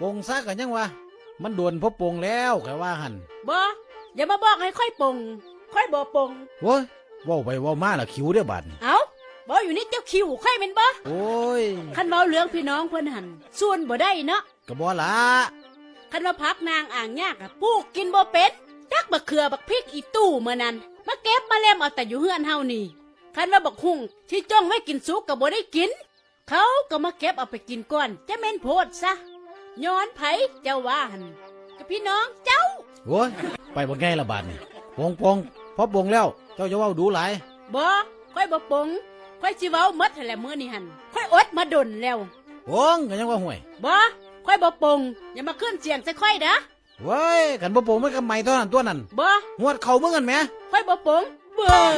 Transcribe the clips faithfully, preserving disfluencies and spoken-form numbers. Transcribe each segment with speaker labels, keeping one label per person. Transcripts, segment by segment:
Speaker 1: ปงซะกันยังวะมันโดนพบปงแล้วแค่ว่าหัน
Speaker 2: บ่อย่ามาบอกให้ค่อยปงค่อยบ่ปง
Speaker 1: โว้ยว่าไปว่ามาละคิวเด้อบาดนี่
Speaker 2: เอ้าบ่อยู่นี่เจ้าคิวค่อยเป็นบ่
Speaker 1: โอ้ย
Speaker 2: คันเว้าเรื่องพี่น้องเพิ่นหันส่วนบ่ได้เนาะ
Speaker 1: ก็บ่ละ
Speaker 2: คันว่าพักนางอ่างยากอะปลูกกินบ่เป็นจักบักเขือบักพริกอีตู้มื้อนั้นมาเก็บมาเล่มเอาแต่อยู่เฮือนเฮานี่คันว่าบักหุ่งที่จ้องไว้กินสุกก็บ่ได้กินเขาก็มาเก็บเอาไปกินก่อนจะแม่นโพดซะย้อนไผเจ้าว่าหั่นกับพี่น้องเจ้า
Speaker 1: โอ้ยไปบ่ไงละบาดนี่ปงปงพอปงแล้วเจ้าจะเว้าดูหลาย
Speaker 2: บ่ค่อยบ่ปงค่อยสิเว้าหมดหั่นแหละมื้อนี้หั่นค่อยอดมาดนแล้ว
Speaker 1: ปงก็ยังว่าห่วย
Speaker 2: บ่ค่อยบ่ปงอย่ามาขึ้นเสียงใส่ค่อยเด้อ
Speaker 1: เว้ยกันบ่ปงมันก็ไม่เท่านั้นตัวนั้น
Speaker 2: บ่
Speaker 1: หวดเข่ามึงกันแหม
Speaker 2: ค่อยบ่ปงเบ้อ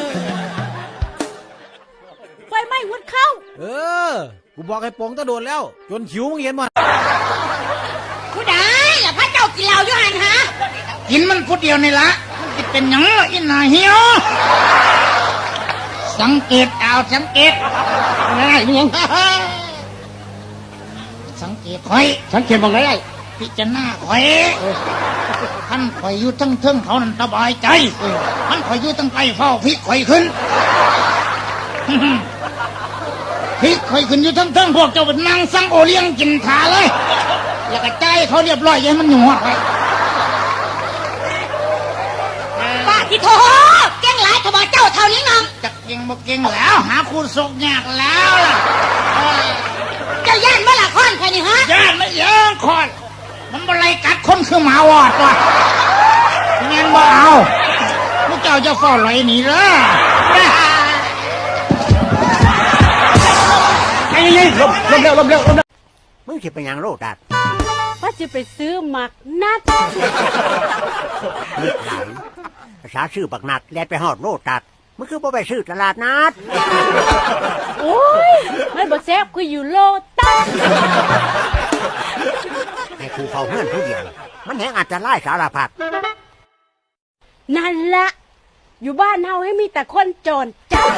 Speaker 2: ไฟไหม้หวดเข้า
Speaker 1: เออกูบอกให้ปงตะโดนแล้วจนหิวมึงเห็นบ่
Speaker 2: ผู้ใดล่ะพระเจ้ากินเหล้าอยู่หั่นฮะ
Speaker 3: กินมันผู้เดียวนี่ละมันสิเป็นหยังล่ะอีน่าเหี่ยวสังเกตเอาสังเกตอะไรยังสังเกตข่อย
Speaker 1: สังเกตมองได้
Speaker 3: พิจารณาข่อยท่านข่อยอยู่ทั้งเทิงเขานั่นสบายใจท่านข่อยอยู่ทั้งไกลเฝ้าพริกข่อยขึ้นพริกข่อยขึ้นอยู่ทั้งเทิงพวกเจ้าเป็นนางสังโอเลี้ยงกินขาเลยแล้วก็ใจเขาเรียบร้อยยังมันหยวกไป
Speaker 2: ป้าที่โทเก่งหลายขบเจ้าเท่านี้น้อง
Speaker 3: จะเก่งบ่เก่งแล้วหาคู่ศกยากแล้วล่ะ
Speaker 2: เจ้าย่านเมื่อละครใครนี่ฮะ
Speaker 3: ย่านไม่เยอะคอนมันบ่ไรกัดคนคือหมาวอดว่ะงั้นบ่เอาพวกเจ้าจะฟ้อลอยหนีเลย
Speaker 1: ไอ้ยัยลมลมเร็วลมเร็วลมเร็ว
Speaker 4: มึงสิไปยังโลดัด
Speaker 2: ว่าจะไปซื้อหมักนัด
Speaker 4: นึกหลายภาษาชื่อบักนัดแลดไปหอดโลดัดมึงคือบ่ไปซื้อตลาดนัด
Speaker 2: โอ้ยไม่บ่แซ่บคืออยู่โลตัส
Speaker 4: ให้ครูเฝ้าเฮือนผู้เดียวมันแหงอาจจะไล่สารพัด
Speaker 2: นั่นละอยู่บ้านเฮาให้มีแต่คนจรจัด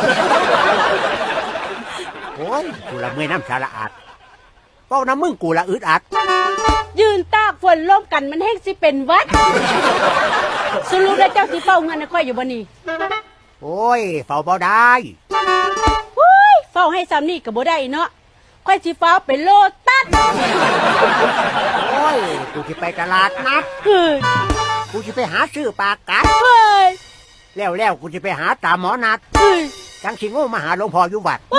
Speaker 4: โอ้ยกูละเมื่อยน้ำสาระอาดเป้าน้ำมึงกูละอึดอัด
Speaker 2: ยืนตากฝนร่มกันมันแห้งสิเป็นวัดสรุปแล้วเจ้าสิเฝ้าเงินค่อยอยู่บ่นี่
Speaker 4: โอ้ยเฝ้าบ่ได้
Speaker 2: โอ้ยเฝ้าให้ซ้ำนี่ก็บ่ได้เนาะค่อยสิเฝ้าเป็นโลตัส
Speaker 4: โอ้ยกูสิไปตลาดนัด
Speaker 2: เฮ้ย
Speaker 4: กูสิไปหาซื้อปากกัด
Speaker 2: เฮ้ย
Speaker 4: แล้วแล้วกูสิไปหาตาหมอนัด
Speaker 2: เฮ้ย
Speaker 4: จังสิโง่มาหาหลวงพ่ออยู่วัด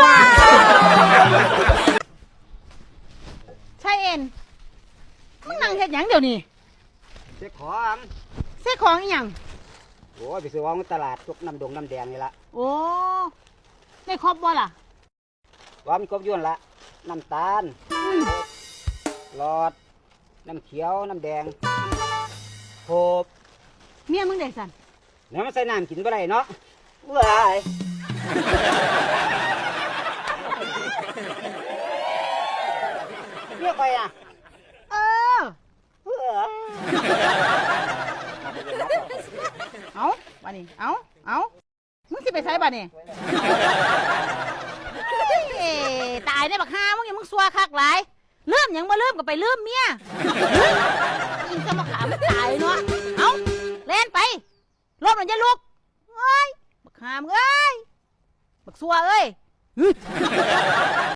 Speaker 2: ใช่เอ็นมึงนั่งเฮ็ดหยังเดี๋ยวนี้
Speaker 5: เซ็กของ
Speaker 2: เซ็กของอีหยัง
Speaker 5: โอ้ยไปซื้อของตลาดพวกน้ำดงน้ำแดงนี่ละ
Speaker 2: โอ้ได้ครบบ่ล่ะ
Speaker 5: ว่ามันครบยุ่นละน้ำตาลหลอดน้ำเขียวน้ำแดงโคบ
Speaker 2: เมียมึงได้สั่น
Speaker 5: แล้วมันใส่น้ำกินบ่ได้เนาะว้ายเรียกไปอ่ะ
Speaker 2: เออเอาบ้านี่เอาเอามึงสิไปใช้บ้านี่ตายได้บักฮามึงยังมึงซัวคักหลายเริ่มยังมาเริ่มก็ไปเริ่มเมียอินจะมาขามันตายเนาะเอาเล่นไปรถมันจะลุกเอ้ยบักฮามเอ้ยบักซัวเอ้ย